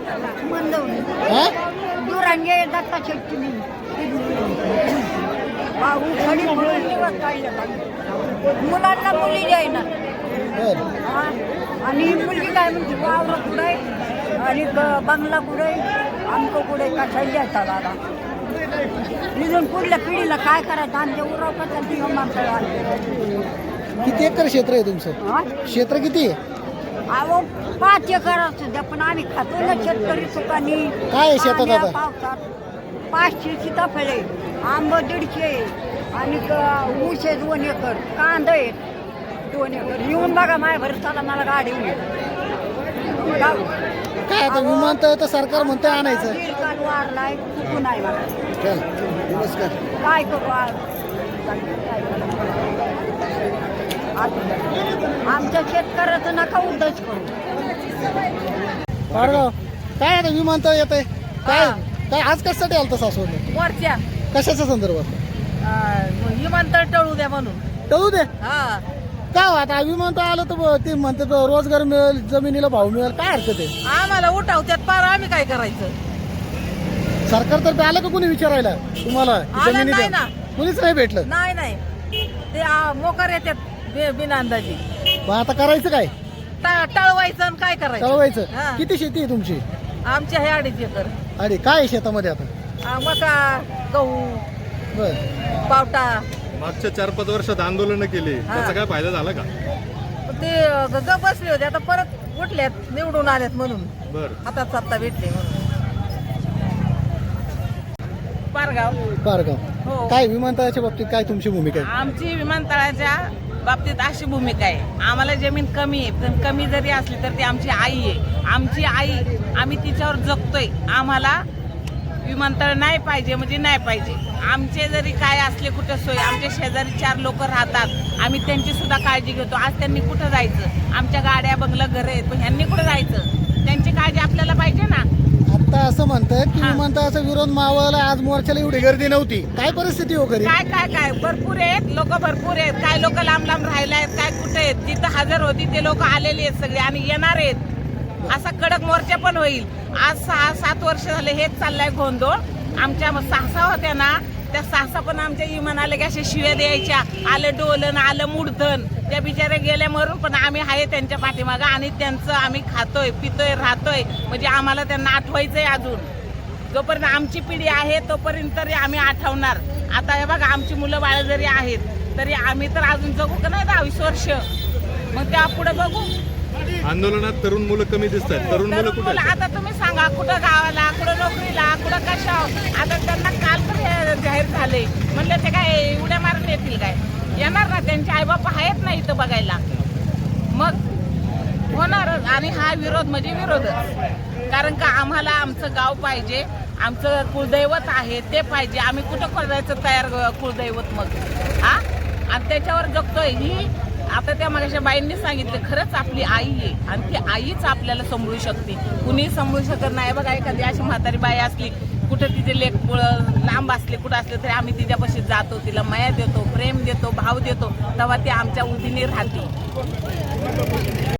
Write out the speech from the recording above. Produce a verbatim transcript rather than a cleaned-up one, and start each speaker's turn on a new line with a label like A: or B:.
A: हा
B: दुरांगे दत्ता शेट्टी भाऊ खडी म्हणून दिवस काढले मुलांना मुली द्यायना
A: बर
B: हा आणि मुलगी काय म्हणते वावर कुठे आणि ब- बंगला कुठे आमचं कुठे कशा द्यायचा दादा निघून पुढल्या पिढीला काय करायचं आमच्या उराव कसं
A: किती एकर क्षेत्र आहे तुमचं क्षेत्र किती आहे
B: अहो पाच एकर असू द्या पण आम्ही खातो ना शेतकरी सुखानी
A: काय आहे शेतात आता?
B: पावसात पाचशे सीताफळे आंब दीडशे आणि क- ऊस आहे दोन एकर कांदा आहेत दोन एकर येऊन बघा माझ्या भरसाला मला गाडी येऊन गाव.
A: काय आता विमानतळ तर सरकार म्हणतं आणायचं
B: दीड काल वारलाय चुकून आहे मला
A: चल नमस्कार
B: काय करू आज? काय करू? आज- आमच्या शेतकऱ्याचं नका उद्धच करू
A: पाडगाव काय आता विमानतळ येत आहे काय काय आज कशासाठी आलं तर सासवड
C: वरच्या
A: कशाच्या संदर्भात
C: विमानतळ टळू द्या म्हणून
A: टळू दे
C: हा
A: का हो आता विमानतळ आलं तर ब- ते म्हणतात रोजगार मिळेल जमिनीला भाव मिळेल काय हरकत आहे
C: आम्हाला उठावत्यात पार आम्ही काय करायचं
A: सरकार तर आलं का कोणी विचारायला तुम्हाला की
C: आलं
A: जमिनी
C: नाही
A: द्या?
C: ना.
A: कोणीच नाही भेटलं
C: नाही नाही ते आ, मोकार येतात बे- बिना अंदाजी
A: मग आता करायचं काय
C: टा- टळवायचं आणि काय करायचं हा.
A: कळवायचं किती शेती आहे तुमची
C: आमच्या हे अडीच एकर
A: अरे काय आहे शेतामध्ये आता
C: आ, मका गहू
A: बर
C: पावटा
D: मागच्या चार पाच वर्षात आंदोलन केली त्याचा काय फायदा झाला का
C: ते ग ग बसले होते आता परत उठल्यात निवडून आल्यात म्हणून
D: बर
C: हातात सत्ता भेटली म्हणून पारगाव
A: पारगाव
C: हो
A: काय विमानतळाच्या बाबतीत काय तुमची भूमिका आहे
C: आमची विमानतळाच्या बाबतीत अशी भूमिका आहे आम्हाला जमीन कमी आहे पण कमी जरी असली तर ती आमची आई आहे आमची आई आम्ही तिच्यावर जगतोय आम्हाला विमानतळ नाही पाहिजे म्हणजे नाही पाहिजे आमचे जरी काय असले कुठं सोय आमच्या शेजारी चार लोक राहतात आम्ही त्यांची सुद्धा काळजी घेतो आज त्यांनी कुठं जायचं आमच्या गाड्या बंगलं घर आहेत पण ह्यांनी कुठं जायचं त्यांची काळजी आपल्याला पाहिजे ना
A: आता असं म्हणतात की
C: हा.
A: विमानतळाचा विरोध मावळला आज मोर्चाला एवढी गर्दी नव्हती काय परिस्थिती हो खरी
C: काय काय काय भरपूर आहेत लोक भरपूर आहेत काय लोक लांब लांब राहिले आहेत काय कुठे आहेत जिथं हजर होती ते लोक आलेली आहेत सगळे आणि येणार आहेत असा कडक मोर्चा पण होईल आज सहा सात वर्ष झाले हेच चाललंय गोंधळ आमच्या सासा होत्या ना त्या सासा पण आमच्या इमान आले की अशा शिव्या द्यायच्या आलं डोलन आलं मुडधन त्या बिचाऱ्या गेल्या मरून पण आम्ही आहे त्यांच्या पाठीमागं आणि त्यांचं आम्ही खातोय पितोय राहतोय म्हणजे आम्हाला त्यांना आठवायचंय अजून जोपर्यंत आमची पिढी आहे तोपर्यंत तरी आम्ही आठवणार आता हे बघा आमची मुलं बाळ जरी आहेत तरी आम्ही तर अजून जगू का नाही दहावीस वर्ष मग त्या पुढे बघू
D: आंदोलनात तरुण मुलं कमी दिसत आहेत तरुण मुलं
C: तरुण
D: कुठे
C: मुलं
D: आहेत?
C: आता तुम्ही सांगा कुठं गावाला कुठं नोकरीला कुठं कशा आता त्यांना काल तर हे जाहीर झाले म्हणलं ते काय उड्या मारून येतील काय येणार ना त्यांचे आईबाप आहेत ना इथं बघायला मग होणारच आणि हा विरोध म्हणजे विरोधच कारण का आम्हाला आमचं गाव पाहिजे आमचं कुलदैवत आहे ते पाहिजे आम्ही कुठं करायचं तयार कुलदैवत मग हा आणि त्याच्यावर जगतोय ही आता त्या मागाच्या बाईंनी सांगितलं खरंच आपली आई आहे आणि ती आईच आपल्याला सांभाळू शकते कुणी सांभाळू शकत नाही बघा एखादी अशी म्हातारी बाई असली कुठं तिचे लेख लांब असले कुठं असले तरी आम्ही तिच्यापाशी जातो तिला माया देतो प्रेम देतो भाव देतो तेव्हा ती आमच्या उदीने राहते